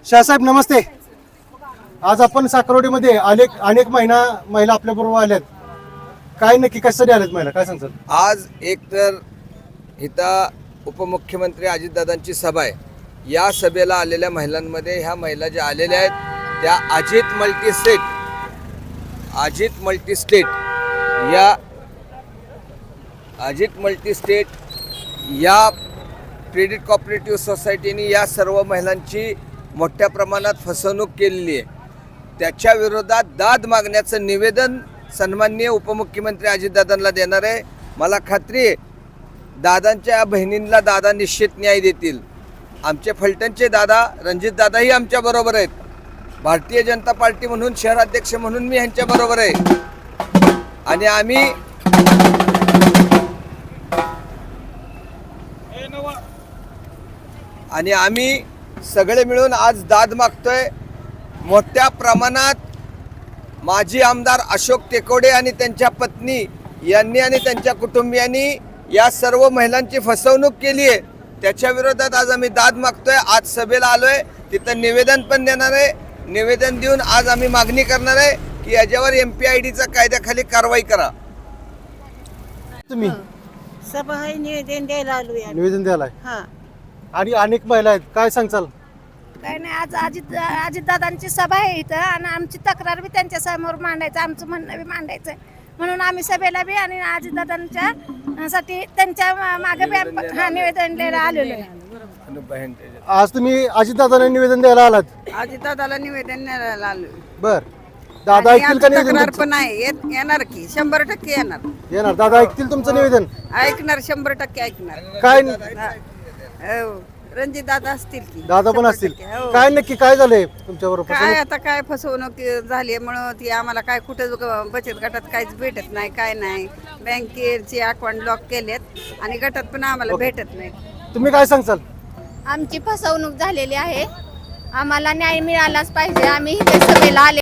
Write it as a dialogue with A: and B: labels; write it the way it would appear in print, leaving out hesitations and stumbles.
A: शाहसाहेब नमस्ते. आज आपण साखरवाडीमध्ये अनेक महिला आपल्या बरोबर आल्यात. काय नक्की कशासाठी आल्यात महिला, काय सांगतात?
B: आज एकतर इथं उपमुख्यमंत्री अजितदादांची सभा आहे. या सभेला आलेल्या महिलांमध्ये ह्या महिला ज्या आलेल्या आहेत त्या अजित मल्टीस्टेट या क्रेडिट कॉपरेटिव्ह सोसायटीने या सर्व महिलांची मोठ्या प्रमाणात फसवणूक केलेली आहे. त्याच्या विरोधात दाद मागण्याचं निवेदन सन्माननीय उपमुख्यमंत्री अजितदादांना देणार आहे. मला खात्री आहे दादांच्या बहिणींना दादा निश्चित न्याय देतील. आमचे फलटणचे दादा रणजितदादाही आमच्याबरोबर आहेत. भारतीय जनता पार्टी म्हणून शहराध्यक्ष म्हणून मी ह्यांच्याबरोबर आहे. आणि आम्ही सगळे मिळून आज दाद मागतोय. मोठ्या प्रमाणात माजी आमदार अशोक टेकोडे आणि त्यांच्या पत्नी यांनी आणि त्यांच्या कुटुंबियांनी या सर्व महिलांची फसवणूक केली आहे. त्याच्या विरोधात आज आम्ही दाद मागतोय. आज सभेला आलोय, तिथं निवेदन पण देणार आहे. निवेदन देऊन आज आम्ही मागणी करणार आहे की याच्यावर MPIDचा कायद्याखाली कारवाई करा.
A: तुम्ही
C: सभा आहे, निवेदन द्यायला आलो या.
A: निवेदन द्यायला
C: हा
A: आणि अनेक महिला आहेत, काय सांगचाल?
C: काय नाही, आज अजितदादांची सभा आहे इथं आणि आमची तक्रार बी त्यांच्या समोर मांडायचं, आमचं म्हणणं बी मांडायचं म्हणून आम्ही सभेला बी आणि अजितदादांच्या साठी त्यांच्या मागे बी निवेदन द्यायला आलेलो आहे.
A: आज तुम्ही अजितदादांना निवेदन द्यायला आलात?
D: अजितदादाला निवेदन द्यायला आलो.
A: बर, दादा ऐकतील का निवेदन
D: तक्रार
A: तुमचं?
D: पण आहे, येणार की 100% येणार.
A: येणार, दादा ऐकतील तुमचं निवेदन?
D: ऐकणार, 100% ऐकणार.
A: काय
D: रणजित दादा असतील की
A: दादा पण असतील?
D: 100%. हो.
A: काय नक्की काय झालंय तुमच्याबरोबर?
D: काय आता काय फसवणूक झाली म्हणून ती आम्हाला काय कुठं बचत गटात काहीच भेटत नाही, काय नाही. बँकेचे अकाउंट लॉक केलेत आणि गटात पण आम्हाला भेटत नाही.
A: तुम्ही काय सांगचाल?
E: आमची फसवणूक झालेली आहे, आम्हाला न्याय मिळालाच पाहिजे. आम्ही इथे सभेला आले